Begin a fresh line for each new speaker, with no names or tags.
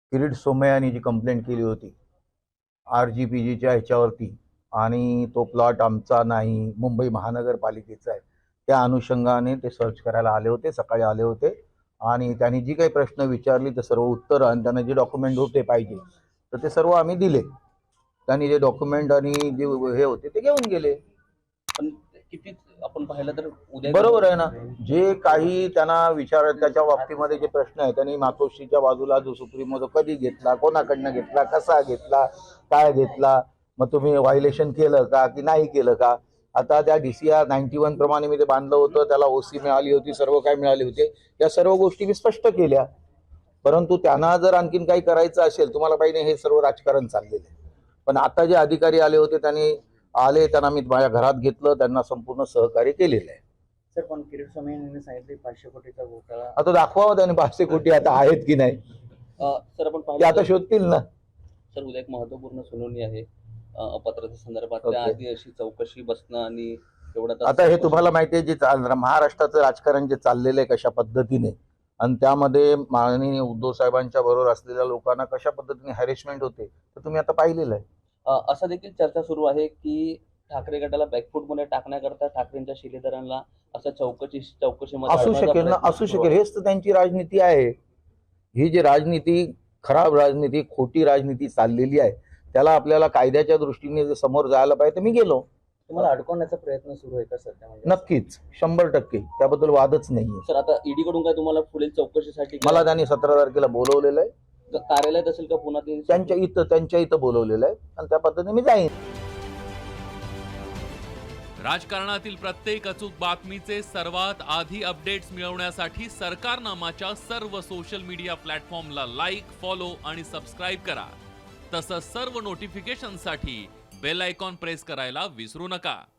किरीट सोमय्यांनी जी complaint केली होती RGPGच्या ह्याच्यावरती, आणि तो प्लॉट आमचा नाही, मुंबई महानगरपालिकेचा आहे, त्या अनुषंगाने ते सर्च करायला आले होते, सकाळी आले होते. आणि त्यांनी जी काही प्रश्न विचारली ते सर्व उत्तर आणि त्यांना जे डॉक्युमेंट होते पाहिजे तर ते सर्व आम्ही दिले. त्यांनी जे डॉक्युमेंट आणि जे हे होते ते घेऊन गेले.
पण किती आपण पाहिलं तर उद्या
बरोबर आहे ना, जे काही त्यांना विचार त्याच्या बाबतीमध्ये जे प्रश्न आहे त्यांनी मातोश्रीच्या बाजूला जो सुप्रीमो कधी घेतला, कोणाकडनं घेतला, कसा घेतला, काय घेतला, मग तुम्ही व्हायलेशन केलं का की नाही केलं का. आता त्या DCR 91 प्रमाणे मी ते बांधलं होतं, त्याला OC मिळाली होती, सर्व काय मिळाले होते, या सर्व गोष्टी मी स्पष्ट केल्या. परंतु त्यांना जर आणखीन काही करायचं असेल, तुम्हाला पाहिजे हे सर्व राजकारण चाललेलं आहे. पण आता जे अधिकारी आले होते त्यांनी त्यांना मी माझ्या घरात घेतलं, त्यांना संपूर्ण सहकार्य केलेलं आहे.
सर, पण किरीट स्वामी यांनी सांगितले 500 कोटीचा घोटाळा.
आता दाखवावं त्याने 500 कोटी आता आहेत की नाही,
सर आपण
ते
पाहिलं
आता शोधतील ना.
सर उद्या एक महत्त्वपूर्ण सुनावणी आहे अपत्राच्या संदर्भात.
ओके.
त्याआधी अशी चौकशी बसणं आणि तेवढं
आता हे तुम्हाला माहिती आहे, जे महाराष्ट्राचं राजकारण जे चाललेलं आहे कशा पद्धतीने, आणि त्यामध्ये माननीय उद्धव साहेबांच्या बरोबर असलेल्या लोकांना कशा पद्धतीने हॅरेसमेंट होते तर तुम्ही आता पाहिलेलं आहे.
असं देखील चर्चा सुरू आहे की ठाकरे गटाला बॅकफूटमध्ये टाकण्याकरता ठाकरेंच्या शिलेदारांना असं चौकशीमध्ये
असू शकेल ना, असू शकेल. हेच तर त्यांची राजनीती आहे. ही जी राजनीती, खराब राजनीती, खोटी राजनीती चाललेली आहे, त्याला आपल्याला कायद्याच्या दृष्टीने जर समोर जायला पाहिजे तर मी गेलो.
तुम्हाला अडकवण्याचा प्रयत्न सुरू आहे का सध्या? म्हणजे
नक्कीच 100%, त्याबद्दल वादच नाहीये.
सर आता ईडी कडून काय तुम्हाला पुढील चौकशीसाठी
मला त्यांनी 17 तारखेला बोलवलेलं आहे,
कार्यालयात असेल का पुन्हा ते
त्यांच्या इथं बोलवलेलं आहे, आणि त्या पद्धतीने मी जाईन.
राजकारणातील प्रत्येक अचूक बातमीचे सर्वात आधी अपडेट्स मिळवण्यासाठी सरकारनामाच्या सर्व सोशल मीडिया प्लॅटफॉर्मला लाईक, फॉलो आणि सबस्क्राईब करा. तसंच सर्व नोटिफिकेशनसाठी बेल आयकॉन प्रेस करायला विसरू नका.